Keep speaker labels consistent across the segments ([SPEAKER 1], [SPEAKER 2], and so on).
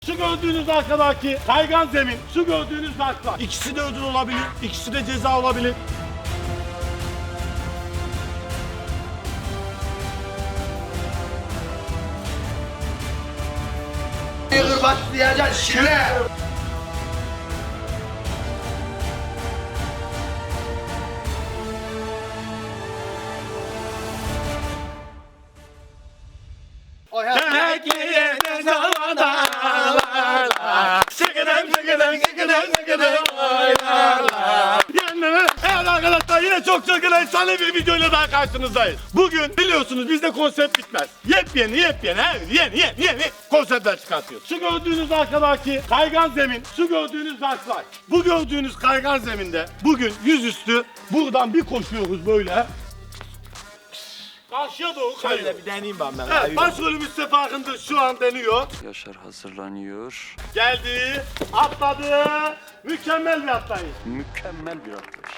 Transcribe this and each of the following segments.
[SPEAKER 1] Şu gördüğünüz arkadaki kaygan zemin, şu gördüğünüz zarflar. İkisi de ödül olabilir, ikisi de ceza olabilir.
[SPEAKER 2] Yürü başlayacaksın şile.
[SPEAKER 1] Evet arkadaşlar, yine çok çılgın efsane bir videoyla daha karşınızdayız. Bugün biliyorsunuz bizde konsept bitmez. Yepyeni yeni konseptler çıkartıyoruz. Şu gördüğünüz arkadaki kaygan zemin, şu gördüğünüz zarflar. Bu gördüğünüz kaygan zeminde bugün yüzüstü buradan bir koşuyoruz böyle. Karşıya doğru kayıyor.
[SPEAKER 2] Şöyle bir deneyeyim ben.
[SPEAKER 1] Evet, başrolümüz Sefa Akındır şu an deniyor.
[SPEAKER 3] Yaşar hazırlanıyor.
[SPEAKER 1] Geldi, atladı. Mükemmel bir atlayış.
[SPEAKER 3] Mükemmel bir atlayış.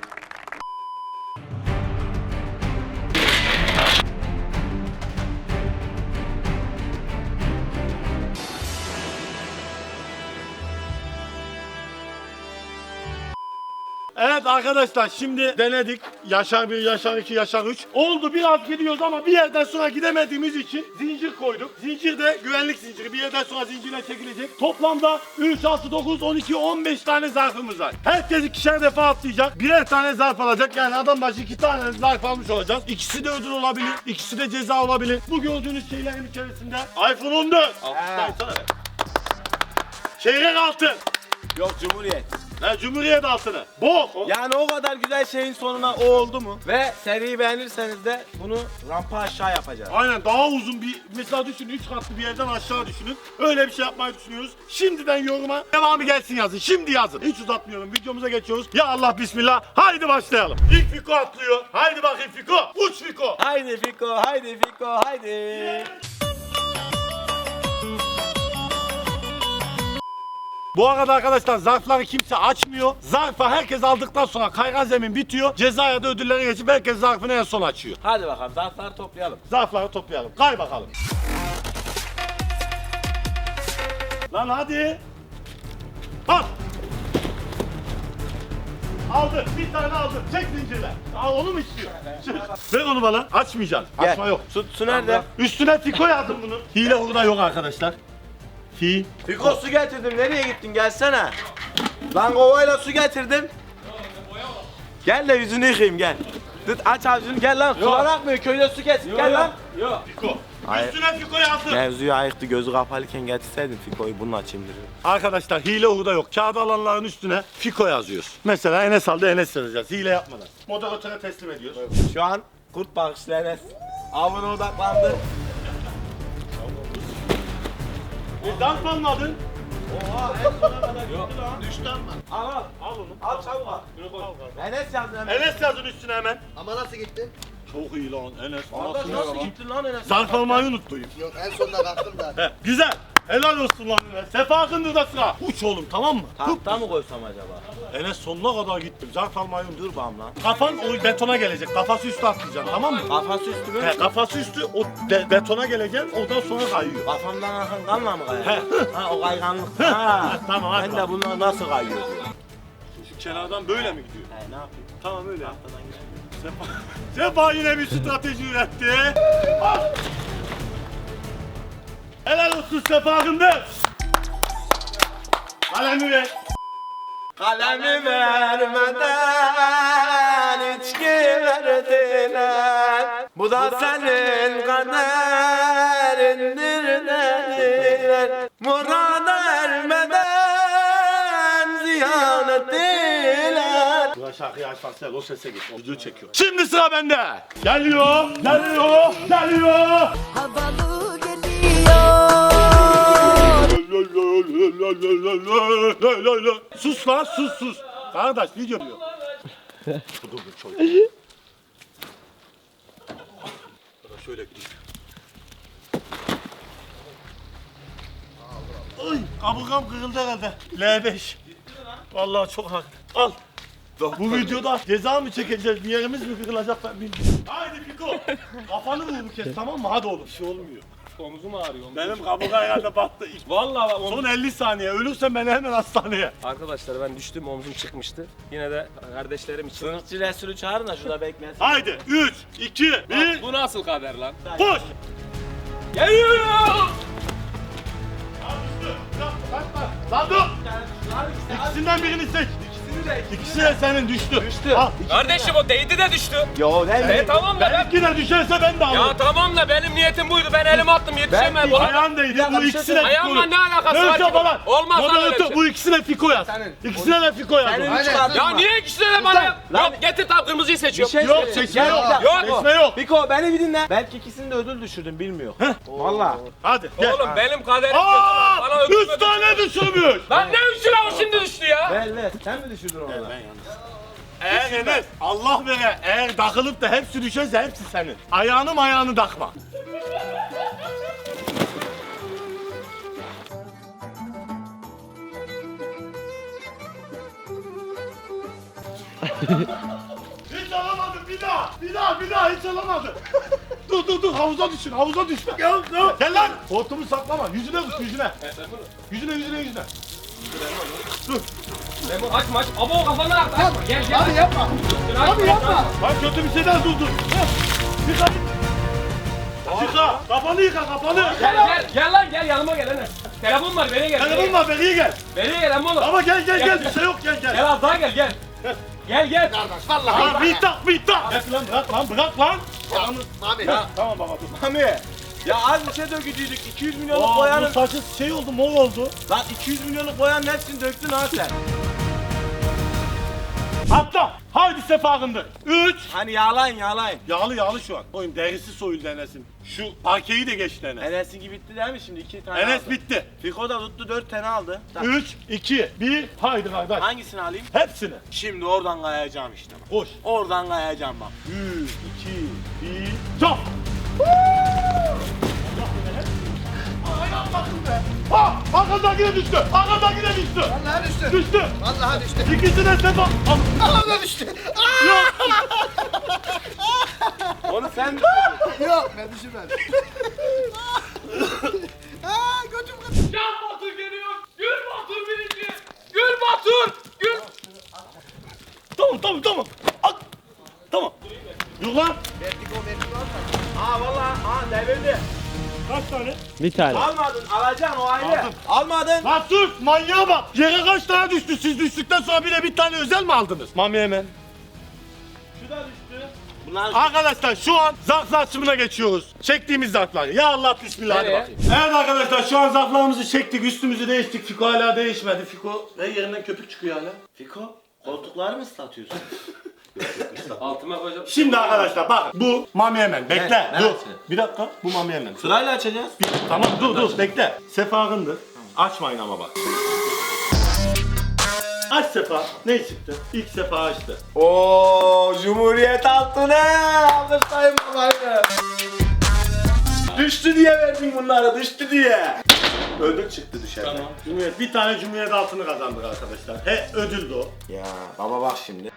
[SPEAKER 1] Evet arkadaşlar, şimdi denedik. Yaşar 1, Yaşar 2, Yaşar 3. Oldu, biraz gidiyoruz ama bir yerden sonra gidemediğimiz için zincir koyduk. Zincir de güvenlik zinciri. Bir yerden sonra zincirle çekilecek. Toplamda 3, 6, 9, 12, 15 tane zarfımız var. Herkes ikişer defa atlayacak. Birer tane zarf alacak. Yani adam başı 2 tane zarf almış olacağız. İkisi de ödül olabilir. İkisi de ceza olabilir. Bu gördüğünüz şeylerin içerisinde iPhone 14. Alkışlaysana. Çeyrek altın.
[SPEAKER 2] Yok Cumhuriyet.
[SPEAKER 1] Ne Cumhuriyet altını. Bok.
[SPEAKER 2] Yani o kadar güzel şeyin sonuna o oldu mu? Ve seriyi beğenirseniz de bunu rampa aşağı yapacağız.
[SPEAKER 1] Aynen, daha uzun bir, mesela düşünün 3 katlı bir yerden aşağı düşünün. Öyle bir şey yapmayı düşünüyoruz. Şimdiden yoruma devamı gelsin yazın. Şimdi yazın. Hiç uzatmıyorum. Videomuza geçiyoruz. Ya Allah bismillah. Haydi başlayalım. İlk Fiko atlıyor. Haydi bakayım Fiko. Uç Fiko.
[SPEAKER 2] Haydi Fiko, haydi Fiko, haydi.
[SPEAKER 1] Bu arada arkadaşlar zarfları kimse açmıyor. Zarfı herkes aldıktan sonra kaygan zemin bitiyor. Cezaya da ödülleri geçip herkes zarfını en son açıyor.
[SPEAKER 2] Hadi bakalım zarfları toplayalım.
[SPEAKER 1] Zarfları toplayalım. Kay bakalım. Lan hadi. Al. Aldı. Bir tane aldı. Çek zincirle. Aa, onu mu istiyor? Ver onu bana. Açmayacaksın.
[SPEAKER 2] Gel.
[SPEAKER 1] Açma yok.
[SPEAKER 2] Su nerede?
[SPEAKER 1] Üstüne Fiko yazdım bunu. Hile orada yok arkadaşlar.
[SPEAKER 2] Fiko su getirdim. Nereye gittin? Gelsene. Lan kovayla su getirdim. Gel de yüzünü yıkayayım gel. Tut aç ağzını gel lan. Sular akmıyor. Köyde su getir. Gel lan.
[SPEAKER 1] Yok. Fiko.
[SPEAKER 2] Hayır.
[SPEAKER 1] Üstüne Fiko yazdım.
[SPEAKER 2] Mevzuyu ayıktı. Gözü kapalıyken getirseydin Fiko'yu bununla açayım dedim.
[SPEAKER 1] Arkadaşlar hile orada yok. Kağıt alanların üstüne Fiko yazıyoruz. Mesela Enes aldı, Enes yazacağız. Hile yapmadan. Moderatöre teslim ediyoruz.
[SPEAKER 2] Şu an kurt bakışlı Enes. Avına odaklandı.
[SPEAKER 1] Zarf almadın.
[SPEAKER 2] Oha en sona kadar gitti lan. Düştü ama. Al al.
[SPEAKER 1] Al onu.
[SPEAKER 2] Al çabuk al. Enes yazdı hemen.
[SPEAKER 1] Enes yazın üstüne hemen.
[SPEAKER 4] Ama nasıl gitti?
[SPEAKER 1] Çok iyi lan Enes.
[SPEAKER 2] Kardeş nasıl gitti lan Enes?
[SPEAKER 1] Zarf almayı unuttum.
[SPEAKER 4] Yok en sonunda kalktım da.
[SPEAKER 1] He, güzel. Helal olsun lan Enes. Sefa Akındır da sıra. Uç oğlum, tamam mı?
[SPEAKER 2] Tahta mı koysam acaba?
[SPEAKER 1] Enes sonuna kadar gittim. Zarf almayı unuttum.
[SPEAKER 2] Dur bam lan.
[SPEAKER 1] Kafan o betona gelecek. Kafası üstü atlayacaksın, tamam mı?
[SPEAKER 2] Kafası üstü mü?
[SPEAKER 1] He, kafası üstü o betona geleceksin. Oradan sonra kayıyor.
[SPEAKER 2] Kafamdan akan kanla mı kayar?
[SPEAKER 1] He.
[SPEAKER 2] Ha o kayganlık. Ha.
[SPEAKER 1] Tamam, hadi
[SPEAKER 2] Ben de
[SPEAKER 1] bak.
[SPEAKER 2] bunlar nasıl kayıyor diyor.
[SPEAKER 1] Şu kenardan böyle mi gidiyor?
[SPEAKER 2] He ne yapayım?
[SPEAKER 1] Tamam öyle.
[SPEAKER 2] Tahtadan gidelim.
[SPEAKER 1] Sefa yine bir strateji üretti. Ah! Helal olsun Sefa Akındır. Kalemi ver.
[SPEAKER 2] Kalemi vermeden içki verdiler. Bu da senin kaderindir dediler. Murada ermeden ziyan ettiler.
[SPEAKER 1] Ulan şarkıyı açmazsa o sese git. O video çekiyor. Şimdi sıra bende. Geliyor.
[SPEAKER 5] Havalı geliyor.
[SPEAKER 1] Sus lan, sus. Kardeş video diyor. Dur çocuk. Şöyle gideyim. Ay, kaburgam kırıldı herhalde. L5. Vallahi çok haklı. Al. Bu videoda ceza mı çekeceğiz, bir yerimiz mi kırılacak ben bilmiyorum. Haydi Fiko. Kafanı vur bir kez, tamam mı? Hadi oğlum. Bir şey olmuyor.
[SPEAKER 5] dakika omzum ağrıyor.
[SPEAKER 1] Benim kaburga herhalde battı.
[SPEAKER 5] Vallahi bak,
[SPEAKER 1] Son 50 saniye. Ölürsen beni hemen hastaneye.
[SPEAKER 5] Arkadaşlar ben düştüm, omzum çıkmıştı. Yine de kardeşlerim için.
[SPEAKER 2] Sınıfçı Resulü çağırın da şurada beklesin.
[SPEAKER 1] Haydi 3, 2, 1.
[SPEAKER 5] Bu nasıl kader lan?
[SPEAKER 1] Koş.
[SPEAKER 5] Geliyor!
[SPEAKER 1] Lan dur. İkisinden birini seç. İkisi de senin düştü. Al.
[SPEAKER 5] Kardeşim o değdi de düştü.
[SPEAKER 2] Yo ne?
[SPEAKER 5] Tamam da ben...
[SPEAKER 1] Benimki de düşerse ben de alırım.
[SPEAKER 5] Ya tamam da benim niyetim buydu. Ben elimi attım yetişemem. Buna...
[SPEAKER 1] Ayağın değdi. Bu ikisi de
[SPEAKER 5] Ayağımla ne alakası var ki?
[SPEAKER 1] falan.
[SPEAKER 5] Olmaz lan öyle bir şey.
[SPEAKER 1] Bu ikisine Fiko yaz. İkisine de Fiko yaz.
[SPEAKER 2] Senin
[SPEAKER 1] Yok,
[SPEAKER 2] üç kartın
[SPEAKER 5] Ya
[SPEAKER 2] var.
[SPEAKER 5] niye ikisine de bana...
[SPEAKER 2] Lan-
[SPEAKER 5] Yok getir tam kırmızıyı
[SPEAKER 2] Bir
[SPEAKER 5] seçiyorum.
[SPEAKER 2] şey
[SPEAKER 1] Yok,
[SPEAKER 2] söyleyeyim.
[SPEAKER 1] seçme
[SPEAKER 2] Gel,
[SPEAKER 1] yok.
[SPEAKER 2] gel.
[SPEAKER 5] Yok.
[SPEAKER 1] Seçme yok.
[SPEAKER 2] Fiko beni bir dinle. Belki ikisini de ödül düşürdüm bilmiyor. Valla.
[SPEAKER 1] Hadi gel.
[SPEAKER 5] Oğlum benim kaderim kötü. Bana
[SPEAKER 1] Aa!
[SPEAKER 5] öpüme
[SPEAKER 1] 3 tane düşürmüş.
[SPEAKER 5] Lan ne üçü lan o şimdi düştü ya?
[SPEAKER 2] Ver. Sen mi düşürdün onu?
[SPEAKER 1] Eğer Enes Allah vere eğer takılıp da hepsi düşerse hepsi senin. Ayağını takma. Hiç alamadım bir daha hiç alamadım. dur havuza düşün Gel lan. Hortumu saklama yüzüne vur yüzüne. Yüzüne. Dur.
[SPEAKER 5] Aç. Abo kafandan at. Gel.
[SPEAKER 4] Abi yapma. Abi yapma.
[SPEAKER 1] Bak kötü bir şeyden dur. Yıka. Kafanı yıka.
[SPEAKER 5] Gel lan gel yanıma gel Enes. Telefon var beni gel.
[SPEAKER 1] Telefon var beni gel.
[SPEAKER 5] Beni gel amma oğlum.
[SPEAKER 1] Ama gel bir şey yok gel.
[SPEAKER 5] Gel az daha gel. Gel.
[SPEAKER 4] Kardeş vallahi.
[SPEAKER 1] Lan bir tak. Bırak lan.
[SPEAKER 4] Abi.
[SPEAKER 1] Tamam baba dur.
[SPEAKER 2] Mami. Ya az bir şey dökücüydük. 200 milyonluk
[SPEAKER 1] Bu
[SPEAKER 2] boyanın.
[SPEAKER 1] saçı şey oldu mor oldu.
[SPEAKER 2] Lan 200 milyonluk boyanın hepsini döktün ha sen.
[SPEAKER 1] Atla. Haydi sefakındır. 3.
[SPEAKER 2] Hani yağlayın.
[SPEAKER 1] Yağlı şu an. Oyun derisi soyuldu Enes'in. Şu parkeyi de geçti Enes.
[SPEAKER 2] Enes'in gibi bitti değil mi şimdi? 2 tane
[SPEAKER 1] Enes
[SPEAKER 2] aldı.
[SPEAKER 1] bitti.
[SPEAKER 2] Fiko da tuttu 4 tane aldı. Tamam.
[SPEAKER 1] 3, 2, 1. Haydi kardeş.
[SPEAKER 2] Hangisini alayım?
[SPEAKER 1] Hepsini.
[SPEAKER 2] Şimdi oradan kayacağım işte bak.
[SPEAKER 1] Koş.
[SPEAKER 2] Oradan kayacağım bak.
[SPEAKER 1] 3, 2, 1. Çap. Ayağım bakın be. Ha! Arkadakine düştü.
[SPEAKER 4] Vallahi düştü.
[SPEAKER 1] Düştü.
[SPEAKER 4] Vallahi düştü.
[SPEAKER 1] İkisi de sefa.
[SPEAKER 4] Vallahi düştü.
[SPEAKER 1] Yok.
[SPEAKER 2] Onu sen
[SPEAKER 4] Yok ben düşürmedim. Aa götüm kırıldı.
[SPEAKER 5] Can Batur geliyor. Gül Batur birinci. Gül Batur.
[SPEAKER 1] Tamam. At. Tamam. Yok lan.
[SPEAKER 4] Vertigo
[SPEAKER 2] Aa vallahi devirdi.
[SPEAKER 1] Kaç tane?
[SPEAKER 2] Almadın alacaksın o ayrı.
[SPEAKER 1] Aldım.
[SPEAKER 2] Almadın.
[SPEAKER 1] Lan sus manyağa bak. Yere kaç tane düştü? Siz düştükten sonra bir tane özel mi aldınız? Mami hemen.
[SPEAKER 2] Şu da düştü. Bunlar
[SPEAKER 1] Arkadaşlar şu an zarf açımına geçiyoruz. Çektiğimiz zarflar. Ya Allah bismillah hadi
[SPEAKER 5] Nereye?
[SPEAKER 1] bakayım. Evet arkadaşlar şu an zarflarımızı çektik. Üstümüzü değiştik. Fiko hala değişmedi. Fiko ve yerinden köpük çıkıyor hala.
[SPEAKER 2] Fiko koltukları mı ıslatıyorsun?
[SPEAKER 5] Altıma koyacağım.
[SPEAKER 1] Şimdi arkadaşlar bak bu Mami hemen. Bekle.
[SPEAKER 2] Ne?
[SPEAKER 1] Dur.
[SPEAKER 2] Neresi?
[SPEAKER 1] Bir dakika. Bu Mami hemen.
[SPEAKER 2] Sırayla açacağız.
[SPEAKER 1] Tamam dur bekle. Sefakındır. Açmayın ama bak. Aç Sefa. Ne çıktı? İlk Sefa açtı.
[SPEAKER 2] Oo Cumhuriyet altını alırsan babaydı. Düştü diye verdin bunları düştü diye. Ödül çıktı dışarıda.
[SPEAKER 5] Tamam.
[SPEAKER 1] Cumhuriyet bir tane Cumhuriyet altını kazandık arkadaşlar. Ödüldü o.
[SPEAKER 2] Ya baba bak şimdi.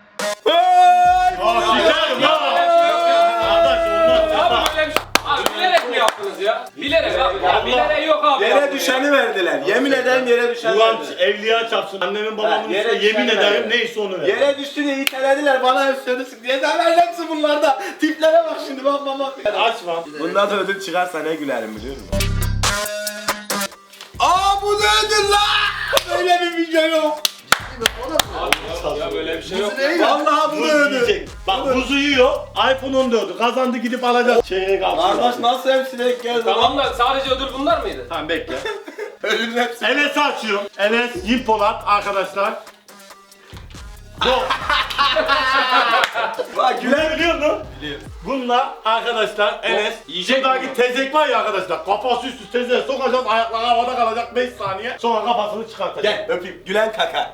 [SPEAKER 1] Aa sikerim ya. Arkadaş olmaz.
[SPEAKER 5] Abi böyle bir şey. Abi bilerek mi yaptınız ya? Bilerek abi. Ya bilerek yok abi.
[SPEAKER 2] Yere düşeni verdiler. Yemin ederim yere düşeni
[SPEAKER 1] Ulan
[SPEAKER 2] verdiler.
[SPEAKER 1] evliya çarpsın. Annemin babamın
[SPEAKER 2] Ha, yere
[SPEAKER 1] üstüne yemin
[SPEAKER 2] düşen
[SPEAKER 1] ederim
[SPEAKER 2] verdi.
[SPEAKER 1] neyse onu ver.
[SPEAKER 2] Yere düştü diye itelediler bana üstüne sık diye sen hepsi bunlarda. Tiplere bak şimdi bak.
[SPEAKER 1] Açma.
[SPEAKER 2] Bunda da ödül çıkarsa ne gülerim biliyor musun? Aa bu ne ödül lan? Böyle bir video yok.
[SPEAKER 5] Ya böyle bir şey yok.
[SPEAKER 2] Vallahi bu
[SPEAKER 1] Buz
[SPEAKER 2] da ödül.
[SPEAKER 1] yiyecek. Bak buzu yiyor. iPhone 14'ü kazandı gidip alacak. Çeyrek altın.
[SPEAKER 2] Kardeş nasıl hepsi denk geldi
[SPEAKER 5] Tamam da sadece ödül bunlar mıydı?
[SPEAKER 1] Tamam bekle.
[SPEAKER 2] Ödülün hepsi.
[SPEAKER 1] Enes'i açıyorum. Enes Yimpolat arkadaşlar. Bu.
[SPEAKER 2] Bak
[SPEAKER 1] Güler biliyor musun?
[SPEAKER 2] Biliyorum.
[SPEAKER 1] Bununla arkadaşlar Enes
[SPEAKER 5] yiyecek
[SPEAKER 1] şuradaki
[SPEAKER 5] mi?
[SPEAKER 1] tezek var ya arkadaşlar kafası üstü tezeğe sokacağız ayakları havada kalacak 5 saniye sonra kafasını çıkartacak.
[SPEAKER 2] Gel öpeyim. Gülen kaka.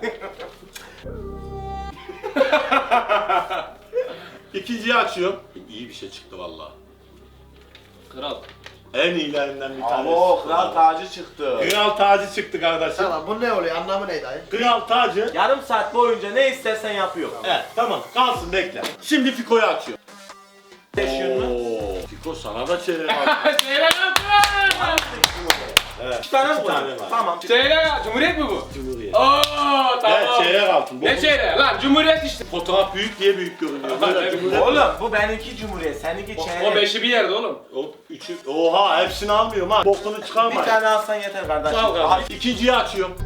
[SPEAKER 1] İkinciyi açıyorum. İyi bir şey çıktı vallahi.
[SPEAKER 5] Kral.
[SPEAKER 1] En iyilerinden bir tanesi.
[SPEAKER 2] Oo kral tacı çıktı.
[SPEAKER 1] Kral tacı çıktı kardeşim.
[SPEAKER 4] Tamam bu ne oluyor anlamı neydi dayı?
[SPEAKER 1] Kral tacı.
[SPEAKER 2] Yarım saat boyunca ne istersen yapıyor.
[SPEAKER 1] Evet tamam kalsın bekle. Şimdi Fiko'yu açıyor.
[SPEAKER 2] Yaşıyor mu?
[SPEAKER 1] Oo, Fiko Fiko sana da çeyrek altın.
[SPEAKER 5] Çeyrek altın.
[SPEAKER 1] Evet.
[SPEAKER 2] 2 tane mi
[SPEAKER 1] İki
[SPEAKER 2] var?
[SPEAKER 1] tane var.
[SPEAKER 2] Tamam.
[SPEAKER 5] Çeyrek Cumhuriyet mi bu?
[SPEAKER 1] Cumhuriyet.
[SPEAKER 5] Oo tamam.
[SPEAKER 1] Evet çeyrek altın.
[SPEAKER 5] Ne çeyreği lan Cumhuriyet işte.
[SPEAKER 1] Fotoğraf büyük diye büyük görünüyor. Böyle
[SPEAKER 5] Evet.
[SPEAKER 1] Cumhuriyet.
[SPEAKER 2] Oğlum bu benimki Cumhuriyet, seninki
[SPEAKER 5] O
[SPEAKER 2] çeyrek.
[SPEAKER 5] beşi bir yerde oğlum.
[SPEAKER 1] O üçü. Oha hepsini almıyorum ha. Bokunu
[SPEAKER 2] Bir
[SPEAKER 1] çıkarma.
[SPEAKER 2] tane alsan yeter kardeşim.
[SPEAKER 5] Sağ ol kardeşim.
[SPEAKER 2] Abi,
[SPEAKER 1] İkinciyi açıyorum.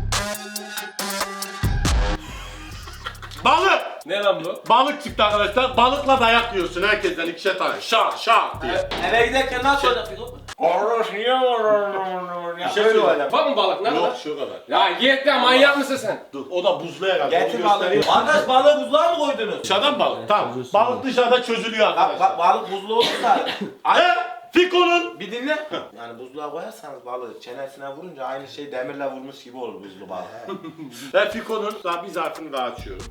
[SPEAKER 1] Balık!
[SPEAKER 5] Ne lan bu?
[SPEAKER 1] Balık çıktı arkadaşlar. Balıkla dayak yiyorsun herkesten ikişer tane. Şak şak diye.
[SPEAKER 2] eve giderken nasıl olacak Fiko?
[SPEAKER 1] Bir şey
[SPEAKER 2] Böyle
[SPEAKER 1] söyleyeyim.
[SPEAKER 2] olacak.
[SPEAKER 5] Var mı balık ne
[SPEAKER 1] Yok
[SPEAKER 5] kadar?
[SPEAKER 1] şu kadar.
[SPEAKER 5] Ya git ya manyak mısın sen?
[SPEAKER 1] Dur o da buzlu herhalde.
[SPEAKER 2] Getir
[SPEAKER 1] Onu
[SPEAKER 2] balığı.
[SPEAKER 1] göstereyim.
[SPEAKER 2] Arkadaş balığı buzluğa mı koydunuz?
[SPEAKER 1] Dışarıdan balık. Tamam. Balık dışarıda çözülüyor arkadaşlar.
[SPEAKER 2] Balık buzlu olursa
[SPEAKER 1] Fiko'nun
[SPEAKER 2] bir dinle. Yani buzluğa koyarsanız balığı çenesine vurunca aynı şey demirle vurmuş gibi olur buzlu balık.
[SPEAKER 1] ve Fiko'nun daha bir zarfını daha açıyorum.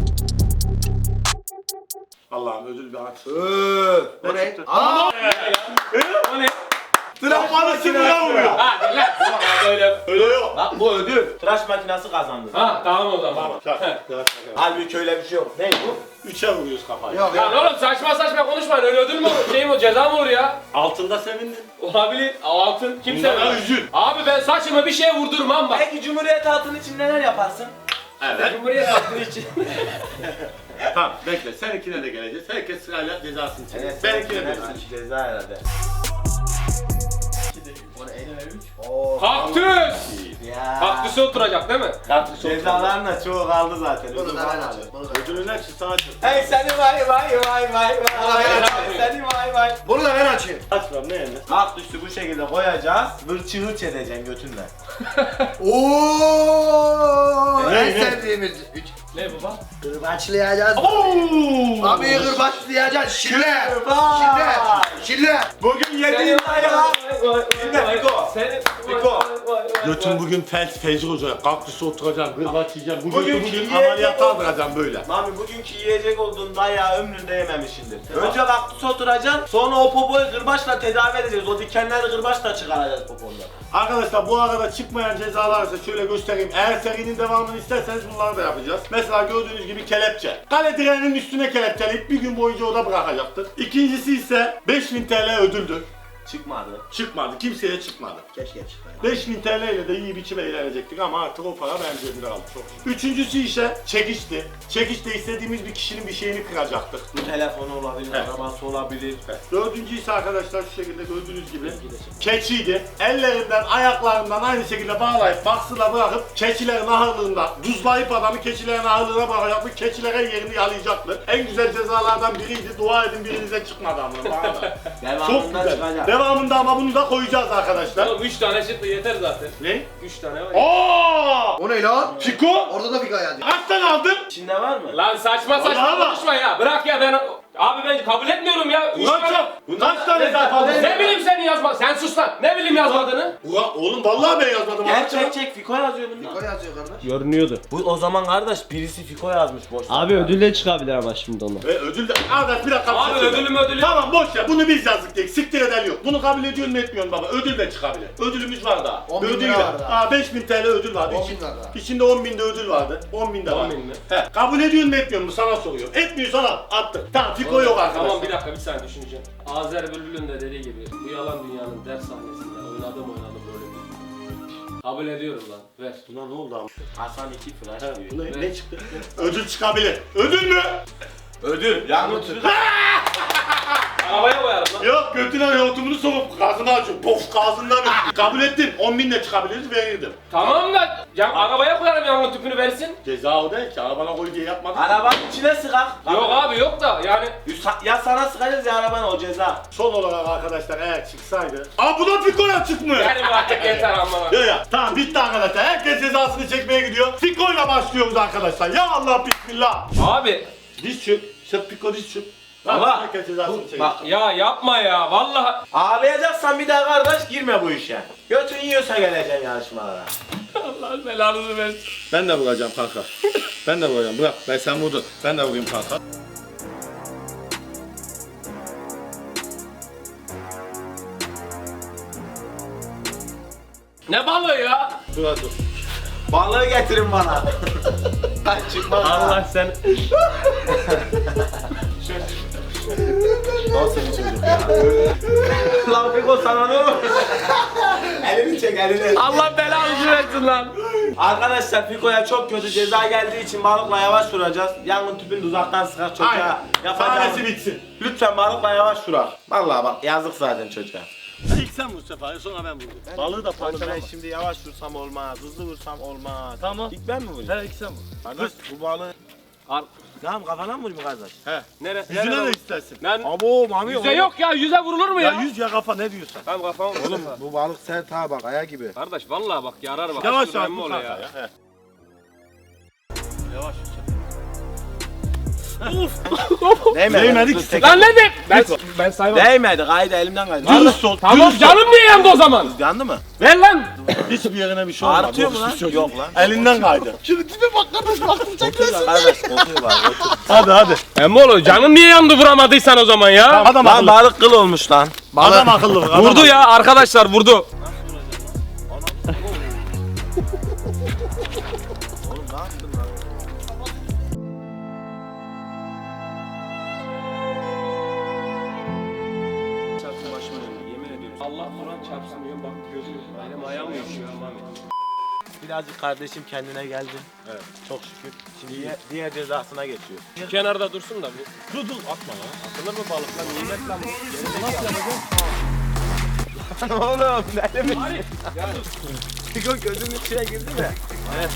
[SPEAKER 1] Allah'ım ödül bir aç.
[SPEAKER 4] O ne?
[SPEAKER 1] çıktı?
[SPEAKER 4] Aa!
[SPEAKER 5] O ne?
[SPEAKER 1] Trafanı sınıra vuruyor.
[SPEAKER 5] Ha lan. Böyle.
[SPEAKER 1] Öyle yok.
[SPEAKER 2] Bak bu ödül. Tıraş makinesi kazandı.
[SPEAKER 5] Ha tamam o zaman.
[SPEAKER 1] Tamam. Şak.
[SPEAKER 2] Halbuki öyle bir şey yok. Ne bu?
[SPEAKER 1] 3'e vuruyoruz kafayı.
[SPEAKER 4] Yok
[SPEAKER 5] Lan
[SPEAKER 4] yok.
[SPEAKER 5] oğlum saçma saçma konuşmayın öyle ödül mü olur? Şey mi o ceza mı olur ya?
[SPEAKER 1] Altında sevindin.
[SPEAKER 5] Olabilir. Altın kimse
[SPEAKER 1] Bunlara
[SPEAKER 5] vermez.
[SPEAKER 1] üzül.
[SPEAKER 5] Abi ben saçımı bir şeye vurdurmam bak.
[SPEAKER 2] Peki Cumhuriyet altın için neler yaparsın?
[SPEAKER 1] Evet.
[SPEAKER 5] Cumhuriyet altın için.
[SPEAKER 1] Tamam bekle. Seninkine de geleceğiz. Herkes sırayla cezasını çekecek. Seninkine de versin.
[SPEAKER 2] Ceza herhalde.
[SPEAKER 4] Oo.
[SPEAKER 5] Kaktüs.
[SPEAKER 2] Ya.
[SPEAKER 5] Kaktüse oturacak değil mi?
[SPEAKER 2] Cezaların da çoğu kaldı zaten.
[SPEAKER 4] Bunu da ben alayım. Bunu da-
[SPEAKER 1] Ödülün hepsi sana çıktı.
[SPEAKER 2] Hey seni vay vay vay vay vay. Seni vay vay.
[SPEAKER 4] Bunu da ben açayım.
[SPEAKER 1] Aç lan ne yenir?
[SPEAKER 2] Kaktüsü bu şekilde koyacağız. Vırçı hırç edeceksin götünle.
[SPEAKER 4] Oo!
[SPEAKER 1] Ne,
[SPEAKER 4] En
[SPEAKER 1] ne?
[SPEAKER 4] sevdiğimiz üç.
[SPEAKER 5] Ne baba?
[SPEAKER 4] Kırbaçlayacağız.
[SPEAKER 1] Ooo!
[SPEAKER 4] Abi kırbaçlayacağız. Şille.
[SPEAKER 2] Kırbaç.
[SPEAKER 4] Şille. Şille.
[SPEAKER 2] Bugün yediğin ayran. Dinle Fiko. Fiko.
[SPEAKER 1] Götüm bugün fecr olacak. Kaktüse oturacağım, kırbaç yiyeceğim. Bugün
[SPEAKER 2] Bugünkü
[SPEAKER 1] ameliyata
[SPEAKER 2] yiyecek-
[SPEAKER 1] aldıracağım böyle.
[SPEAKER 2] Mami bugünkü yiyecek olduğun dayağı ömründe yememişsindir. Önce kaktüse oturacaksın, sonra o popoyu kırbaçla tedavi edeceğiz. O dikenleri kırbaçla çıkaracağız popondan.
[SPEAKER 1] Arkadaşlar bu arada çıkmayan cezalar ise şöyle göstereyim. Eğer serinin devamını isterseniz bunları da yapacağız. Mesela gördüğünüz gibi kelepçe. Kale direğinin üstüne kelepçeleyip bir gün boyunca oda bırakacaktık. İkincisi ise 5000 TL ödüldür.
[SPEAKER 2] Çıkmadı.
[SPEAKER 1] Çıkmadı. Kimseye çıkmadı.
[SPEAKER 4] Keşke çıkmayın.
[SPEAKER 1] 5000 TL ile de iyi biçime eğlenecektik ama artık o para bence bir aldı çok. Üçüncüsü ise çekişti. Çekişte istediğimiz bir kişinin bir şeyini kıracaktık.
[SPEAKER 2] Bu telefonu olabilir,
[SPEAKER 1] Evet.
[SPEAKER 2] arabası olabilir.
[SPEAKER 1] Dördüncü ise arkadaşlar şu şekilde gördüğünüz gibi keçiydi. Ellerinden, ayaklarından aynı şekilde bağlayıp baksıla bırakıp keçilerin ahırlığında duzlayıp adamı keçilerin ahırlığına bırakacaktık. Keçilere yerini yalayacaktı. En güzel cezalardan biriydi. Dua edin birinize çıkmadı ama bana da. Çok
[SPEAKER 2] Devamında
[SPEAKER 1] güzel.
[SPEAKER 2] çıkacak.
[SPEAKER 1] Devamında ama bunu da koyacağız arkadaşlar.
[SPEAKER 5] Oğlum 3 tane çıktı yeter zaten.
[SPEAKER 1] Ne?
[SPEAKER 5] 3 tane var.
[SPEAKER 1] Aa!
[SPEAKER 4] O ne lan?
[SPEAKER 1] Fiko!
[SPEAKER 4] Orada da fika yazıyor.
[SPEAKER 1] Kaç tane aldın?
[SPEAKER 2] İçinde var mı?
[SPEAKER 5] Lan saçma
[SPEAKER 1] Vallahi
[SPEAKER 5] saçma
[SPEAKER 1] bak.
[SPEAKER 5] konuşma ya. Bırak ya ben... Abi ben kabul etmiyorum ya. Üç tane-
[SPEAKER 1] Kaç tane zarf aldın?
[SPEAKER 5] Ne bileyim senin yazma. Sen sus lan. Ne bileyim yazmadığını.
[SPEAKER 1] Oğlum vallahi ben yazmadım.
[SPEAKER 2] Gel çek Fiko yazıyor bunda.
[SPEAKER 4] Fiko yazıyor kardeş.
[SPEAKER 6] Görünüyordu.
[SPEAKER 2] Bu o zaman kardeş birisi Fiko yazmış boş.
[SPEAKER 6] Abi ödül de çıkabilir ama şimdi ona.
[SPEAKER 1] Ve ödül de... Arkadaş bir dakika. bir
[SPEAKER 5] Abi
[SPEAKER 1] şey söyle.
[SPEAKER 5] ödülüm.
[SPEAKER 1] Tamam boş ya bunu biz yazdık diye siktir eden yok. Bunu kabul ediyor mu etmiyorsun baba? Ödül de çıkabilir. Ödülümüz var daha.
[SPEAKER 4] 10.000
[SPEAKER 1] Ödül
[SPEAKER 4] lira
[SPEAKER 1] de-
[SPEAKER 4] var daha.
[SPEAKER 1] 5000 TL ödül vardı.
[SPEAKER 4] 10.000 lira daha.
[SPEAKER 1] İçinde 10.000 de ödül vardı. 10.000 de var.
[SPEAKER 5] 10.000 mi?
[SPEAKER 1] He. Kabul ediyor mu etmiyor mu sana soruyorum. Etmiyorsan al. Attık. Tamam Fiko yok arkadaşlar.
[SPEAKER 5] Tamam bir dakika bir saniye düşüneceğim. Azer Bülbül'ün de dediği gibi bu yalan dünyanın ders sahnesinde oynadım rolümü. Kabul ediyorum lan. Ver.
[SPEAKER 1] Buna ne oldu abi?
[SPEAKER 2] Hasan 2 flash
[SPEAKER 1] He,
[SPEAKER 2] diyor.
[SPEAKER 1] buna ne çıktı? Ödül çıkabilir. Ödül mü?
[SPEAKER 2] Ödül. Yangın tüpü.
[SPEAKER 5] Arabaya koyarım lan.
[SPEAKER 1] Yok götüne yoğurtumunu sokup gazını açıyor. Pof gazından öptü. Kabul ettim. 10.000 de çıkabiliriz verirdim.
[SPEAKER 5] Tamam da ya arabaya koyarım yangın tüpünü versin.
[SPEAKER 1] Ceza o değil ki. Arabana koy diye yapmadım.
[SPEAKER 2] Arabanın içine sıkak.
[SPEAKER 5] Yok abi yok da yani.
[SPEAKER 2] Ya sana sıkacağız ya arabana o ceza.
[SPEAKER 1] Son olarak arkadaşlar eğer çıksaydı. Aa bu da Fiko'ya çıkmıyor.
[SPEAKER 5] Yani artık yeter amma.
[SPEAKER 1] Ya tamam bitti arkadaşlar. Herkes cezasını çekmeye gidiyor. Fiko'yla başlıyoruz arkadaşlar. Ya Allah bismillah.
[SPEAKER 5] Abi
[SPEAKER 1] Diz çök. Sen Fiko diz çök.
[SPEAKER 5] Baba,
[SPEAKER 1] Herkes cezasını çekiyor.
[SPEAKER 2] Bak
[SPEAKER 5] ya yapma ya vallahi.
[SPEAKER 2] ağlayacaksan bir daha kardeş girme bu işe. Götün yiyorsa geleceksin yarışmalara.
[SPEAKER 5] Allah belanızı versin.
[SPEAKER 1] Ben de vuracağım kanka. Ben de vuracağım. Bırak ben sen vurdun. Ben de vurayım kanka.
[SPEAKER 5] Ne balığı ya?
[SPEAKER 1] Dur hadi dur.
[SPEAKER 2] Balığı getirin bana. Ben çıkmaz.
[SPEAKER 6] Allah sen.
[SPEAKER 2] Nasıl bir çocuk ya? Lan Fiko sana ne olur? Elini çek elini.
[SPEAKER 5] Allah belanızı versin lan.
[SPEAKER 2] Arkadaşlar Fiko'ya çok kötü ceza geldiği için balıkla yavaş vuracağız. Yangın tüpünü de uzaktan sıkar çocuğa.
[SPEAKER 1] Aynen.
[SPEAKER 2] Yapacağız.
[SPEAKER 1] Sahnesi bitsin.
[SPEAKER 2] Lütfen balıkla yavaş vurar. Vallahi bak yazık zaten çocuğa.
[SPEAKER 1] İlk sen vur Sefa, sonra ben vurdum. Balığı da
[SPEAKER 2] Ben
[SPEAKER 1] parçalama.
[SPEAKER 2] şimdi yavaş vursam olmaz, hızlı vursam olmaz.
[SPEAKER 1] Tamam.
[SPEAKER 2] İlk ben mi vurayım?
[SPEAKER 1] He, ilk sen vur.
[SPEAKER 2] Kardeş bu balığı...
[SPEAKER 5] Al.
[SPEAKER 2] Tamam kafana mı vurayım kardeş?
[SPEAKER 5] Nereye?
[SPEAKER 1] Yüzüne de istersin.
[SPEAKER 5] Lan
[SPEAKER 2] Abo mami
[SPEAKER 5] yüze yok ya, yüze vurulur mu
[SPEAKER 1] Ya
[SPEAKER 5] ya?
[SPEAKER 1] yüz ya kafa, ne diyorsun?
[SPEAKER 5] Tamam kafam.
[SPEAKER 2] Oğlum bu balık sert ha bak aya gibi.
[SPEAKER 5] Kardeş vallahi bak yarar bak.
[SPEAKER 1] Yavaş
[SPEAKER 5] Kaç
[SPEAKER 1] yavaş
[SPEAKER 5] gram
[SPEAKER 1] bu
[SPEAKER 5] oluyor
[SPEAKER 1] kanka ya. He. Yavaş yavaş. Değmedi ki.
[SPEAKER 5] Lan ne de? Ben saymam.
[SPEAKER 2] Değmedi kaydı elimden kaydı.
[SPEAKER 1] Düz sol.
[SPEAKER 5] Tamam
[SPEAKER 1] düz sol.
[SPEAKER 5] canım niye yandı o zaman?
[SPEAKER 2] Yandı mı?
[SPEAKER 5] Ver lan.
[SPEAKER 1] Hiçbir yerine bir şey olmadı.
[SPEAKER 2] Artıyor mu lan?
[SPEAKER 1] Hiçbir şey
[SPEAKER 2] Yok lan.
[SPEAKER 1] Elinden kaydı. Şimdi tipe bak kardeş, baktıracak
[SPEAKER 2] Otur kardeş otur bak otur.
[SPEAKER 1] Hadi hadi.
[SPEAKER 5] Emmoğlu canım niye yandı vuramadıysan o zaman ya?
[SPEAKER 1] Adam
[SPEAKER 2] Lan
[SPEAKER 1] akıllı.
[SPEAKER 2] balık kıl olmuş lan.
[SPEAKER 1] Adam akıllı. bak, adam
[SPEAKER 5] Vurdu
[SPEAKER 1] akıllı.
[SPEAKER 5] ya arkadaşlar vurdu.
[SPEAKER 2] Oğlum ne yaptın lan?
[SPEAKER 5] Çarpsın başıma döndü yemin ediyorum. Allah Kur'an çarpsın diyorum bak gözüm. Benim ayağım uyuşuyor Mami.
[SPEAKER 2] Birazcık kardeşim kendine geldi. Evet. Çok şükür. Şimdi diğer cezasına geçiyor.
[SPEAKER 5] Şu kenarda dursun da bu.
[SPEAKER 1] Dur dur atma lan.
[SPEAKER 5] Atılır mı balık lan? Nimet lan bu.
[SPEAKER 2] Lan oğlum ne demek? Fiko gözünün içine girdi mi? Evet.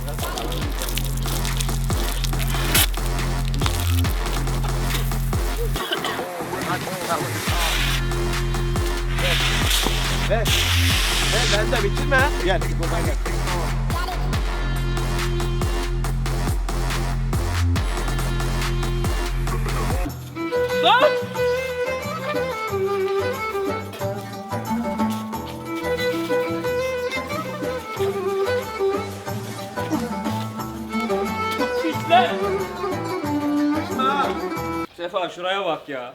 [SPEAKER 2] Ver. Ben de bitirme. Gel Fiko'dan gel.
[SPEAKER 5] Lan! Pisler! Sefa şuraya bak ya.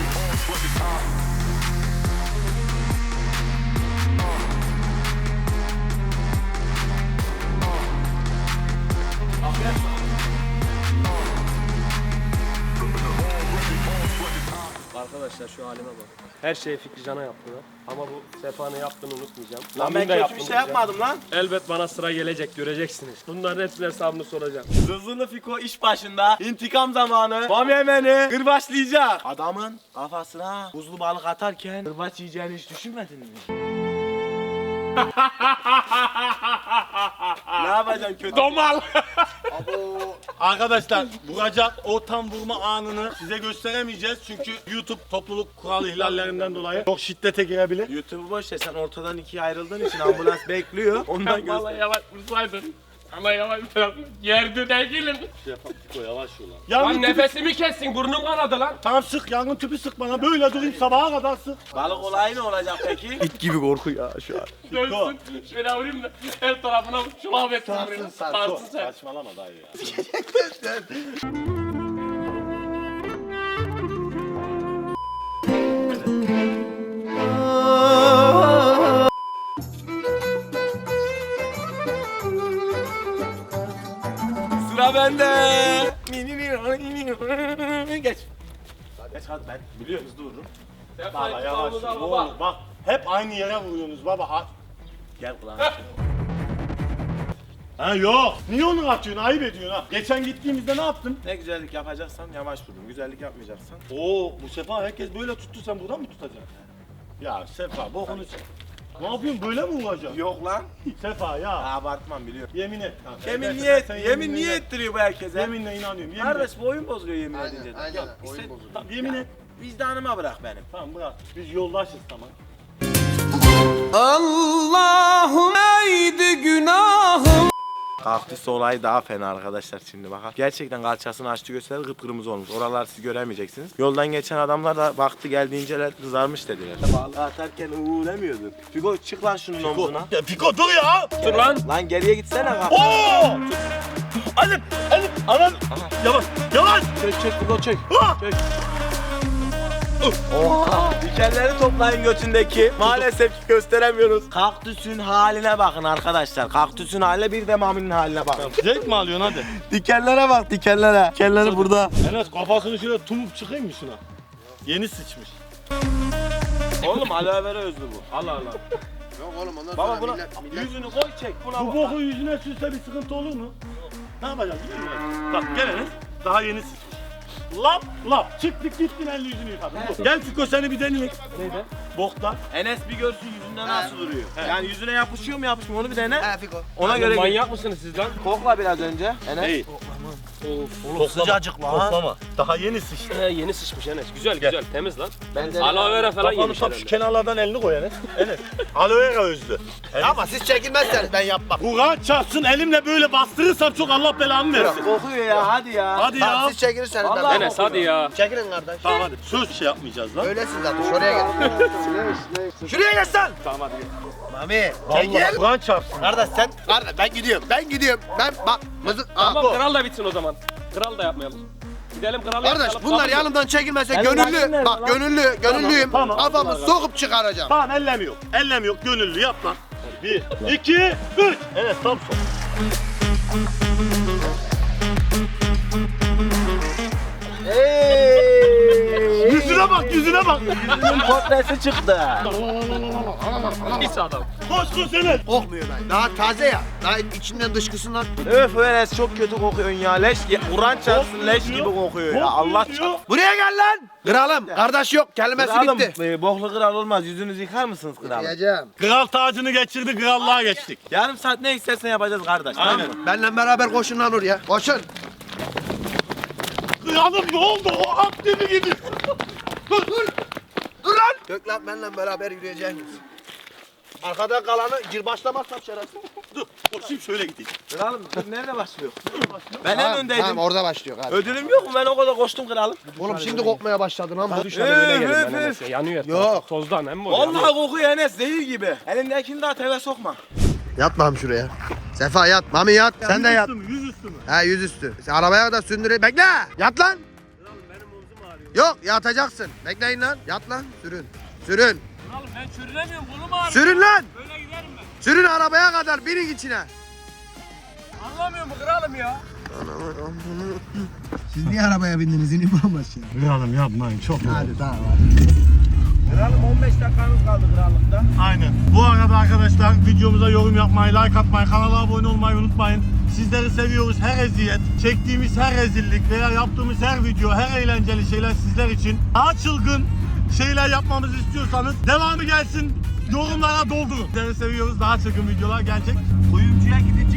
[SPEAKER 5] Arkadaşlar şu halime bak. Her şeyi Fikri Can'a yaptılar. Ama bu Sefa'nın yaptığını unutmayacağım.
[SPEAKER 2] Lan ben kötü bir şey yapmadım lan.
[SPEAKER 5] Elbet bana sıra gelecek göreceksiniz. Bunların hepsinin hesabını soracağım.
[SPEAKER 2] Zızılı Fiko iş başında. İntikam zamanı. Mami Emen'i kırbaçlayacak. Adamın kafasına buzlu balık atarken kırbaç yiyeceğini hiç düşünmedin mi? Ne yapacaksın kötü?
[SPEAKER 5] Domal!
[SPEAKER 1] Arkadaşlar vuracak o tam vurma anını size gösteremeyeceğiz. Çünkü YouTube topluluk kural ihlallerinden dolayı çok şiddete girebilir.
[SPEAKER 2] YouTube'u boş ver sen ortadan ikiye ayrıldığın için ambulans bekliyor. Ondan
[SPEAKER 5] Vallahi
[SPEAKER 2] göster.
[SPEAKER 5] yavaş vursaydın. Ama yavaş yerdi değilim.
[SPEAKER 1] Yavaş yola.
[SPEAKER 5] Lan
[SPEAKER 1] Yangın tüpü...
[SPEAKER 5] nefesimi kessin burnum kanadı lan.
[SPEAKER 1] Tamam sık, yangın tüpü sık bana. Böyle durayım sabaha kadar sık.
[SPEAKER 2] Balık olayı ne olacak peki? İt gibi korku ya şu an.
[SPEAKER 5] Dönsün. Şöyle vurayım da her tarafına şu muhabbet vurayım. Sarsın sen.
[SPEAKER 1] Saçmalama dayı ya.
[SPEAKER 2] Sıra bende. Geç. Geç hadi ben biliyorum hızlı vururum.
[SPEAKER 1] Baba yavaş ol. Oğlum bak hep aynı yere vuruyorsunuz baba.
[SPEAKER 2] Gel kulağına.
[SPEAKER 1] Ha yok. Niye onu atıyorsun? Ayıp ediyorsun ha. Geçen gittiğimizde ne yaptın?
[SPEAKER 2] Ne güzellik yapacaksan yavaş vurun. Güzellik yapmayacaksan.
[SPEAKER 1] Oo bu sefa herkes böyle tuttu, sen buradan mı tutacaksın? Ya Sefa bokunu çek. Ne yapıyorsun, böyle mi vuracaksın?
[SPEAKER 2] Yok lan.
[SPEAKER 1] Sefa ya.
[SPEAKER 2] Abartmam biliyorum.
[SPEAKER 1] Yemin et. Ha,
[SPEAKER 2] Yemin
[SPEAKER 1] evet,
[SPEAKER 2] niye
[SPEAKER 1] sen
[SPEAKER 2] yemin niye
[SPEAKER 1] et.
[SPEAKER 2] ettiriyor bu herkese?
[SPEAKER 1] Yeminle inanıyorum. Yemin
[SPEAKER 2] Kardeş
[SPEAKER 1] et.
[SPEAKER 2] bu oyun bozuluyor yemin edince.
[SPEAKER 4] Aynen,
[SPEAKER 2] de.
[SPEAKER 4] aynen.
[SPEAKER 2] Yok,
[SPEAKER 4] Oyun
[SPEAKER 2] işte-
[SPEAKER 4] bozuluyor.
[SPEAKER 1] Tamam, yemin et.
[SPEAKER 2] Vicdanıma bırak benim.
[SPEAKER 1] Tamam bırak. Biz yoldaşız tamam.
[SPEAKER 2] Kaktüs olayı daha fena arkadaşlar şimdi bakar. Gerçekten kalçasını açtı gösterir kıpkırmızı olmuş. Oralar siz göremeyeceksiniz. Yoldan geçen adamlar da baktı geldiğinceler kızarmış dediler. Balığı atarken uuu demiyordun. Fiko çık lan şunun omzuna.
[SPEAKER 1] Ya Fiko dur ya.
[SPEAKER 5] Dur lan.
[SPEAKER 2] Lan geriye gitsene bak.
[SPEAKER 1] Oo! Alim, anan. Yavaş, yavaş.
[SPEAKER 2] Çök Fiko çök.
[SPEAKER 1] Ah!
[SPEAKER 2] Çök. Oha! Dikenleri toplayın götündeki. Maalesef ki gösteremiyoruz. Kaktüsün haline bakın arkadaşlar. Kaktüsün haline bir de Mami'nin haline bakın.
[SPEAKER 1] Zevk mi alıyorsun hadi?
[SPEAKER 2] Dikenlere bak dikenlere. Dikenleri burada.
[SPEAKER 1] Enes kafasını şöyle tumup çıkayım mı şuna? Yeni sıçmış.
[SPEAKER 2] Oğlum aloe vera özlü bu. Allah Allah.
[SPEAKER 4] Yok oğlum ondan
[SPEAKER 2] Baba
[SPEAKER 4] sonra
[SPEAKER 2] buna
[SPEAKER 4] millet...
[SPEAKER 2] yüzünü koy çek buna
[SPEAKER 1] Bu
[SPEAKER 2] bak.
[SPEAKER 1] boku yüzüne sürse bir sıkıntı olur mu? Ne yapacağız biliyor musun? Bak gel Enes. Daha yeni sıçmış. Lap. Çıktık gittin elini yüzünü yıkadın. Gel Fiko seni bir deneyelim.
[SPEAKER 5] Neydi?
[SPEAKER 1] Boktan.
[SPEAKER 2] Enes bir görsün yüzünden nasıl duruyor. Yani yüzüne yapışıyor mu yapışmıyor onu bir dene.
[SPEAKER 4] He Fiko.
[SPEAKER 2] Ona göre
[SPEAKER 5] Manyak mısınız siz lan?
[SPEAKER 2] kokla biraz önce. Enes.
[SPEAKER 1] Değil.
[SPEAKER 2] Oğlum sıcacık lan.
[SPEAKER 1] Koklama. Daha yeni sıçtı.
[SPEAKER 5] Yeni sıçmış Enes. Güzel temiz lan.
[SPEAKER 2] Ben de
[SPEAKER 5] Aloe vera falan
[SPEAKER 1] Kafanı
[SPEAKER 5] yemiş
[SPEAKER 1] tam şu
[SPEAKER 5] herhalde.
[SPEAKER 1] kenarlardan elini koy Enes. Enes. Aloe vera özlü.
[SPEAKER 4] Ama siz çekilmezseniz ben yapmam.
[SPEAKER 1] Kur'an çarpsın elimle böyle bastırırsam çok Allah belamı versin.
[SPEAKER 2] kokuyor ya hadi ya.
[SPEAKER 1] Hadi ya.
[SPEAKER 4] Tamam siz çekilirseniz ben
[SPEAKER 2] Vallahi-
[SPEAKER 5] Enes hadi ya.
[SPEAKER 4] Çekilin kardeş.
[SPEAKER 1] Tamam hadi. Söz şey yapmayacağız lan.
[SPEAKER 4] Öylesin zaten şuraya gel. Şuraya gel sen.
[SPEAKER 1] Tamam hadi.
[SPEAKER 4] Mami
[SPEAKER 1] Vallahi
[SPEAKER 4] çekil.
[SPEAKER 1] Kur'an çarpsın.
[SPEAKER 4] Kardeş sen. Kardeş ben gidiyorum. Ben bak mızık.
[SPEAKER 5] Tamam
[SPEAKER 4] bu.
[SPEAKER 5] kral da bitsin o zaman. Kral da yapmayalım. Gidelim kralı
[SPEAKER 4] Kardeş
[SPEAKER 5] yapalım.
[SPEAKER 4] bunlar
[SPEAKER 5] Kabul mü?
[SPEAKER 4] yanımdan çekilmezse
[SPEAKER 2] Benim
[SPEAKER 4] gönüllü.
[SPEAKER 2] hakim nerede
[SPEAKER 4] Bak
[SPEAKER 2] lan?
[SPEAKER 4] gönüllüyüm.
[SPEAKER 1] Tamam.
[SPEAKER 4] Kafamı sokup çıkaracağım.
[SPEAKER 1] Tamam ellem yok. Ellem yok. Gönüllü yap lan. 1, 2, 3. Evet tam son. Yüzüne bak yüzüne bak.
[SPEAKER 2] Yüzünün portresi çıktı.
[SPEAKER 5] Pis adam.
[SPEAKER 1] Koş Enes.
[SPEAKER 4] Kokmuyor ben. Daha taze ya. Daha içinden dışkısından.
[SPEAKER 2] Öf Enes çok kötü kokuyorsun ya. Leş Kur'an çarpsın leş gibi kokuyor ya. Allah çarpsın.
[SPEAKER 4] Buraya gel lan. Kralım. Kardeş yok. Kelimesi
[SPEAKER 2] Kralım,
[SPEAKER 4] bitti.
[SPEAKER 2] boklu kral olmaz. Yüzünüzü yıkar mısınız kralım?
[SPEAKER 4] Diyeceğim.
[SPEAKER 1] Kral tacını geçirdi, krallığa geçtik.
[SPEAKER 2] Yarım saat ne istersen yapacağız kardeş.
[SPEAKER 1] Aynen.
[SPEAKER 2] Tamam mı?
[SPEAKER 4] Benle beraber koşun lan oraya. Koşun.
[SPEAKER 1] Kralım ne oldu? O at gibi gibi.
[SPEAKER 4] Dur lan. Gök lan benle beraber yürüyeceğiz. Arkada kalanı gir başlamazsam şerefsiz.
[SPEAKER 1] Dur, koşayım şöyle gideyim.
[SPEAKER 2] Kralım dur, nerede başlıyor? Ben en öndeydim.
[SPEAKER 4] Tamam orada başlıyor abi.
[SPEAKER 2] Ödülüm yok mu? Ben o kadar koştum kralım.
[SPEAKER 4] Oğlum şimdi kokmaya başladın ama.
[SPEAKER 5] Dışarıda böyle gelin
[SPEAKER 2] Öf,
[SPEAKER 5] ben Enes ya. Yanıyor.
[SPEAKER 4] Yok.
[SPEAKER 5] Tozdan hem mi?
[SPEAKER 2] Vallahi kokuyor Enes zehir gibi. Elindekini daha teve sokma.
[SPEAKER 4] Yat mami şuraya. Sefa yat. Mami yat. Sen de yat.
[SPEAKER 1] Yüzüstü mü?
[SPEAKER 4] He yüzüstü. Sen arabaya kadar sündüre. Bekle. Yat lan. Yok yatacaksın. Bekleyin lan. Yat lan. Sürün. Sürün.
[SPEAKER 5] Kralım ben çürünemiyorum kolum ağrıyor.
[SPEAKER 4] Sürün lan.
[SPEAKER 5] Böyle giderim ben.
[SPEAKER 4] Sürün arabaya kadar. Binin içine.
[SPEAKER 5] Anlamıyor mu kralım ya?
[SPEAKER 4] Siz niye arabaya bindiniz? İnin bambaşka.
[SPEAKER 1] Kralım yapmayın çok.
[SPEAKER 4] Hadi tamam.
[SPEAKER 2] Kralım 15 dakikamız kaldı krallıkta.
[SPEAKER 1] Aynen. Bu arada arkadaşlar videomuza yorum yapmayı, like atmayı, kanala abone olmayı unutmayın. Sizleri seviyoruz. Her eziyet, çektiğimiz her rezillik veya yaptığımız her video, her eğlenceli şeyler sizler için. Daha çılgın şeyler yapmamızı istiyorsanız devamı gelsin. Yorumlara doldurun. Sizleri seviyoruz. Daha çılgın videolar gelecek.
[SPEAKER 2] Kuyumcuya gidecek.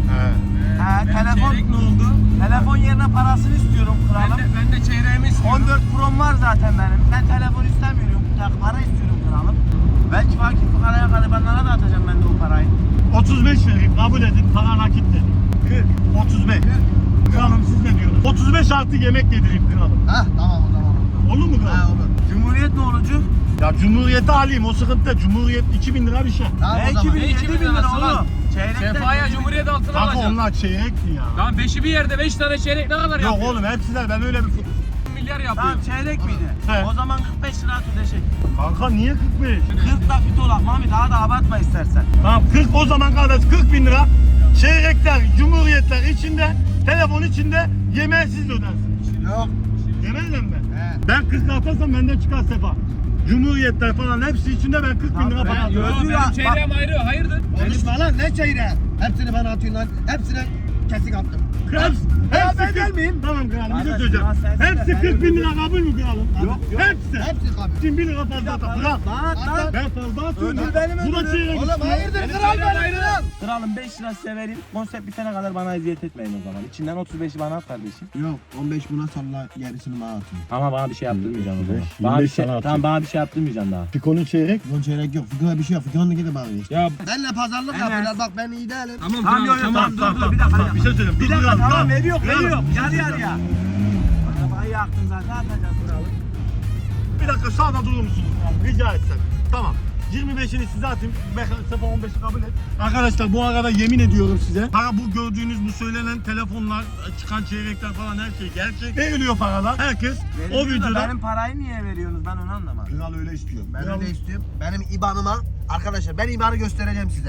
[SPEAKER 2] Telefon ne oldu? Telefon yerine parasını istiyorum kralım.
[SPEAKER 5] Ben de çeyreğimi istiyorum.
[SPEAKER 2] 14 Pro'm var zaten benim. Ben telefon istemiyorum. Para istiyorum kralım. Belki fakir fukaraya garibanlara da atacağım ben de o parayı.
[SPEAKER 1] 35 vereyim. Kabul edin. Para nakit dedim. 35. Kralım siz ne diyorsunuz? 35 artı yemek yedireyim kralım.
[SPEAKER 4] Hah tamam o zaman.
[SPEAKER 1] Olur mu kralım?
[SPEAKER 4] olur.
[SPEAKER 2] Cumhuriyet ne olacak?
[SPEAKER 1] Ya Cumhuriyet'i alayım o sıkıntı. Cumhuriyet 2000 lira bir şey.
[SPEAKER 4] Tamam o zaman.
[SPEAKER 2] 2000 lira oğlum. Çeyrekten.
[SPEAKER 5] Sefa'ya Cumhuriyet altına
[SPEAKER 1] Bak
[SPEAKER 5] alacağım.
[SPEAKER 1] onlar çeyrekti ya.
[SPEAKER 5] Tamam 5'i bir yerde 5 tane çeyrek ne kadar
[SPEAKER 1] Yok
[SPEAKER 5] yapıyor?
[SPEAKER 1] oğlum hepsiler ben öyle bir...
[SPEAKER 5] Milyar yapıyor.
[SPEAKER 2] Tamam çeyrek miydi?
[SPEAKER 1] He.
[SPEAKER 2] O zaman 45 lira ödeşek.
[SPEAKER 1] Kanka niye 45?
[SPEAKER 2] 40 da fit olak Mami daha da abartma istersen.
[SPEAKER 1] Tamam 40 o zaman kardeş 40 bin lira. Çeyrekler, cumhuriyetler içinde, telefon içinde yemeği siz ödersiniz.
[SPEAKER 4] Yok.
[SPEAKER 1] Yemeğiyle mi?
[SPEAKER 4] He.
[SPEAKER 1] Ben 40 atarsam benden çıkar sefa. Cumhuriyetler falan hepsi içinde ben 40 bin lira para
[SPEAKER 5] Yo
[SPEAKER 1] atarım.
[SPEAKER 5] benim çeyreğim ayrı hayırdır?
[SPEAKER 4] Konuşma lan ne çeyreği? Hepsini bana atıyorsun lan. Hepsine kesik attım.
[SPEAKER 1] Hepsi
[SPEAKER 4] ben
[SPEAKER 1] 40
[SPEAKER 4] gelmeyeyim.
[SPEAKER 1] Tamam kralım bir şey
[SPEAKER 2] Kardeş,
[SPEAKER 1] söyleyeceğim.
[SPEAKER 2] ya sen
[SPEAKER 1] Hepsi
[SPEAKER 2] de
[SPEAKER 1] 40 bin lira kabul mü kralım?
[SPEAKER 2] Yok, yok.
[SPEAKER 1] Hepsi.
[SPEAKER 4] Hepsi kabul.
[SPEAKER 1] Şimdi 1 lira fazla atar. Kral.
[SPEAKER 2] Lan.
[SPEAKER 1] Ben fazla atıyorum.
[SPEAKER 2] Ödül benim
[SPEAKER 1] Bu da
[SPEAKER 2] ödülüm.
[SPEAKER 1] çeyrek.
[SPEAKER 4] Oğlum hayırdır
[SPEAKER 5] Benim
[SPEAKER 4] kral
[SPEAKER 5] çeyreğim
[SPEAKER 4] benim
[SPEAKER 5] ayrı.
[SPEAKER 4] kral.
[SPEAKER 2] Kralım 5 lira size vereyim. Konsept bitene kadar bana eziyet etmeyin o zaman. İçinden 35'i bana at kardeşim.
[SPEAKER 4] Yok 15 buna salla gerisini bana atın.
[SPEAKER 2] Ama bana bir şey yaptırmayacaksın o zaman.
[SPEAKER 1] 25
[SPEAKER 2] Bana bir şey,
[SPEAKER 1] sana atayım.
[SPEAKER 2] tamam bana bir şey yaptırmayacaksın daha.
[SPEAKER 1] Fikonun çeyrek.
[SPEAKER 4] Fıkıha çeyrek yok. Fıkıha bir şey yok. Fıkıha gidin bana işte.
[SPEAKER 5] Ya
[SPEAKER 4] Benle pazarlık yapıyorlar bak ben iyi değilim.
[SPEAKER 5] tamam
[SPEAKER 2] Tamam yok yok tamam dur bir dakika.
[SPEAKER 1] Bir şey söyleyeyim.
[SPEAKER 2] Bir
[SPEAKER 1] Dur,
[SPEAKER 2] dakika
[SPEAKER 1] kralım,
[SPEAKER 2] tamam veriyor
[SPEAKER 1] Kralım,
[SPEAKER 2] veriyor.
[SPEAKER 1] bir şey
[SPEAKER 2] Yarı
[SPEAKER 1] söyleyeceğim.
[SPEAKER 2] yarıya. Arabayı yaktın zaten atacağız kralım.
[SPEAKER 1] Bir dakika sağda durur musunuz? Rica etsem. Tamam. 25'ini size atayım. Sefa 15'i kabul et. Arkadaşlar bu arada yemin ediyorum size. Para bu gördüğünüz bu söylenen telefonlar, çıkan çeyrekler falan her şey gerçek. Veriliyor paralar. Herkes o
[SPEAKER 2] Veriyor da
[SPEAKER 1] videoda...
[SPEAKER 2] benim parayı niye veriyorsunuz ben onu anlamadım.
[SPEAKER 1] Kral öyle istiyor.
[SPEAKER 4] Ben öyle istiyorum. Benim IBAN'ıma arkadaşlar ben IBAN'ı göstereceğim size.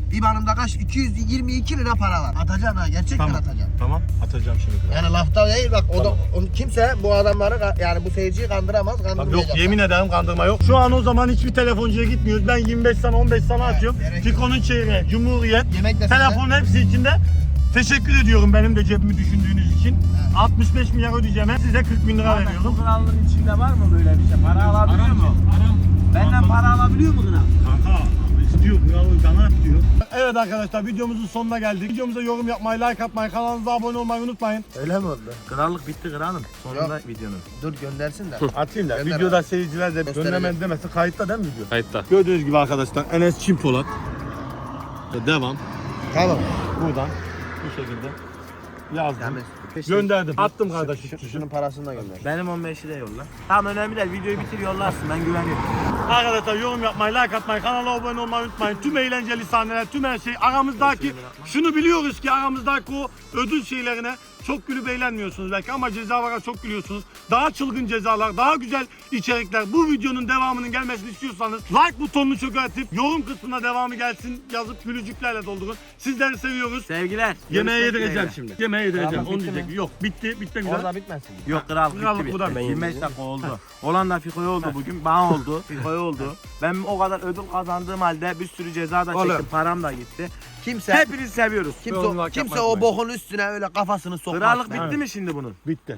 [SPEAKER 4] İban'ımda kaç? 222 lira para var. Atacaksın ha, gerçekten
[SPEAKER 1] Tamam.
[SPEAKER 4] atacaksın.
[SPEAKER 1] Tamam atacağım şimdi.
[SPEAKER 4] Yani lafta değil bak, o da kimse bu adamları yani bu seyirciyi kandıramaz,
[SPEAKER 1] Bak
[SPEAKER 4] kandırmayacak.
[SPEAKER 1] yok, yemin ederim kandırma yok. Şu an o zaman hiçbir telefoncuya gitmiyoruz. Ben 25 sana 15 sana atıyorum.
[SPEAKER 4] gerek yok.
[SPEAKER 1] Fikon'un çeyreği, Cumhuriyet,
[SPEAKER 4] Yemek de
[SPEAKER 1] telefonun hepsi içinde. Teşekkür ediyorum benim de cebimi düşündüğünüz için. 65 milyar ödeyeceğim. Size 40 bin lira veriyorum.
[SPEAKER 2] Bu krallığın içinde var mı böyle bir şey? Para alabiliyor mu? Benden para alabiliyor mu kral?
[SPEAKER 1] Kanka istiyor, bana istiyor. Evet arkadaşlar, videomuzun sonuna geldik. Videomuza yorum yapmayı, like atmayı, kanalımıza abone olmayı unutmayın.
[SPEAKER 4] Öyle mi oldu?
[SPEAKER 2] Krallık bitti kralım. Sonunda videonun.
[SPEAKER 4] Dur göndersin de.
[SPEAKER 1] Atayım da
[SPEAKER 4] Gönder
[SPEAKER 1] videoda
[SPEAKER 4] abi.
[SPEAKER 1] seyirciler de
[SPEAKER 4] Göstereceğim.
[SPEAKER 1] göndermedi demesin. Kayıtta değil mi video?
[SPEAKER 5] Kayıtta.
[SPEAKER 1] Gördüğünüz gibi arkadaşlar Enes Çimpolat. Devam.
[SPEAKER 4] Tamam.
[SPEAKER 1] Buradan bu şekilde yazdım.
[SPEAKER 4] Temiz.
[SPEAKER 1] Gönderdim. Attım kardeşim.
[SPEAKER 4] Şunun parasını da gönder.
[SPEAKER 2] Benim 15'i de yolla. Tamam önemli değil. Videoyu bitir yollarsın. Ben güveniyorum.
[SPEAKER 1] Arkadaşlar yorum yapmayı, like atmayı, kanala abone olmayı unutmayın. Tüm eğlenceli sahneler, tüm her şey aramızdaki, şunu biliyoruz ki aramızdaki o ödül şeylerine çok gülüp eğlenmiyorsunuz belki ama cezalara çok gülüyorsunuz. Daha çılgın cezalar, daha güzel içerikler. Bu videonun devamının gelmesini istiyorsanız like butonunu çökertip yorum kısmına devamı gelsin yazıp gülücüklerle doldurun. Sizleri seviyoruz.
[SPEAKER 2] Sevgiler.
[SPEAKER 1] Yemeğe
[SPEAKER 2] Görüşmek
[SPEAKER 1] yedireceğim
[SPEAKER 2] dileğiyle.
[SPEAKER 1] şimdi. Yemeğe yedireceğim.
[SPEAKER 2] Krallık
[SPEAKER 1] Onu
[SPEAKER 2] bitti
[SPEAKER 1] diyecek.
[SPEAKER 2] mi?
[SPEAKER 1] Yok bitti. Bitti güzel.
[SPEAKER 4] Orada bitmesin.
[SPEAKER 2] Yok krallık
[SPEAKER 1] Krallık
[SPEAKER 2] bitti
[SPEAKER 1] bu da
[SPEAKER 2] bitti.
[SPEAKER 1] ben
[SPEAKER 2] 25 dakika oldu. Olan da Fiko'ya oldu bugün. Bana oldu. Fiko'ya oldu. Ben o kadar ödül kazandığım halde bir sürü ceza da çektim.
[SPEAKER 4] Oğlum.
[SPEAKER 2] Param da gitti.
[SPEAKER 4] Kimse
[SPEAKER 2] Hepinizi seviyoruz.
[SPEAKER 4] kimse o bokun üstüne öyle kafasını sokmaz.
[SPEAKER 2] Krallık bitti mi şimdi bunun?
[SPEAKER 1] Bitti.